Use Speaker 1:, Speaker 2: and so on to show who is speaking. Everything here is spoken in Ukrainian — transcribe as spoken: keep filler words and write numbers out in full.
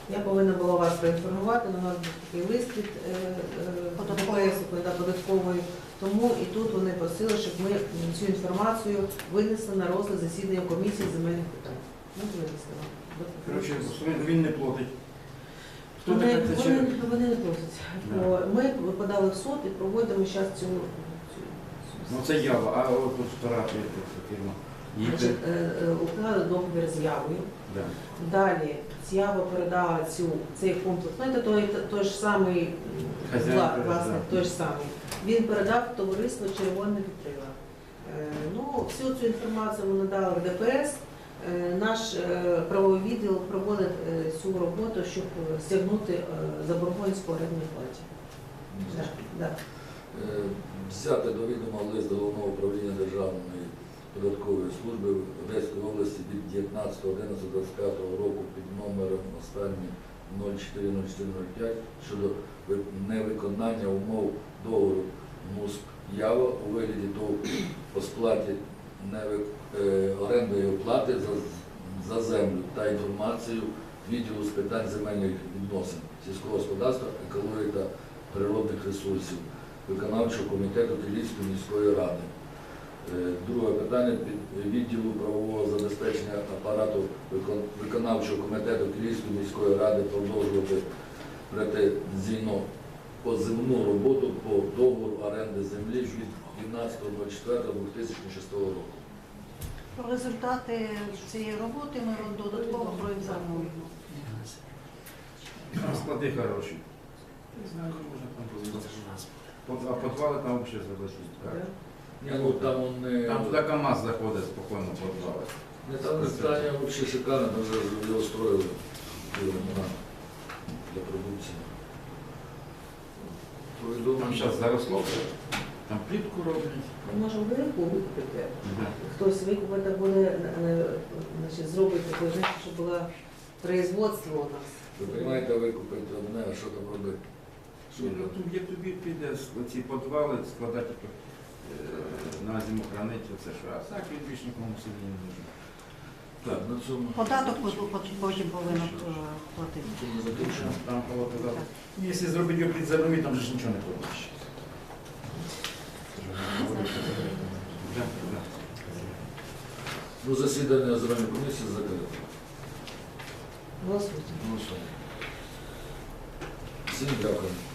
Speaker 1: Я повинна була вас проінформувати, але у нас був такий лист від ДПС, податкової, тому і тут вони просили, щоб ми цю інформацію винесли на розгляд засідання комісії земельних питань. Ну, винесли вам.
Speaker 2: Коротше, він не платить. Хто
Speaker 1: Вони,
Speaker 2: таке це
Speaker 1: вони,
Speaker 2: чи-
Speaker 1: вони не просять.
Speaker 2: Да.
Speaker 1: Бо ми подали в суд і проводимо зараз цю, цю,
Speaker 2: Ну це ява, а от тут стара фірма. Її
Speaker 1: Значить, е, е, уклали договір з явою.
Speaker 2: да.
Speaker 1: Далі Ява передала цю, цей комплекс. Ну, це той, той ж самий м,
Speaker 2: Хазяїн
Speaker 1: вла-
Speaker 2: передав.
Speaker 1: власник, той ж самий. Він передав товариство Червоне вітрила. Е, ну, всю цю інформацію ми надали в ДПС. Е, наш е, правовий відділ проводить е, цю роботу, щоб е, стягнути е, заборгованість по орендній платі. Да, да.
Speaker 3: Е, Взяти до відома лист Головного управління Державної податкової служби в Одеської області від дев'ятнадцятого одинадцятого двадцять п'ятого року під номером останній нуль чотири нуль чотири нуль п'ять щодо ви- невиконання умов договору МУСП Ява у вигляді ТОВ по сплаті невик- е, орендної оплати за, за землю та інформацію відділу з питань земельних відносин, сільського господарства, екології та природних ресурсів виконавчого комітету Київської міської ради. Е, Друге питання під відділу правового забезпечення апарату викон- виконавчого комітету Київської міської ради продовжувати претензійно позивну роботу по договору оренди землі від дванадцятого четвертого дві тисячі шостого року.
Speaker 4: Про результати цієї роботи ми вам додатково проінформуємо.
Speaker 2: Там склади хороші. Не знаю, можна там позвонити. А підвали там взагалі залишились.
Speaker 1: Да.
Speaker 3: Ні, ну там вони...
Speaker 2: Там туди КАМАЗ заходить спокійно в підвали.
Speaker 3: Не, там здання взагалі шикарне, ми вже його строїли для продукції.
Speaker 2: Там
Speaker 3: Повідомлення.
Speaker 2: зараз заросло все. Там плітку роблять.
Speaker 1: Ми можемо велику викупити.
Speaker 2: Да.
Speaker 1: Хтось викупити буде, е, значить, зробить таке, знаєте, щоб було производство у нас.
Speaker 3: Ви розумієте, викупити одне, а що там робити? Що
Speaker 2: Ну,
Speaker 3: там?
Speaker 2: тут є тобі піде ці підвали складати е, на зиму хранити, оце що. А так він більш нікому собі не нужен.
Speaker 3: Так, на цьому,
Speaker 4: Податок потім повинен е, платити.
Speaker 3: цьому закінчимо.
Speaker 2: Там кого казали. Якщо зробити його під землі, там же ж нічого не получиш. Да, да.
Speaker 3: Ну, засідання земельної комісії закрите.
Speaker 1: Голосуйте.
Speaker 3: Ну, що? Всім дякую.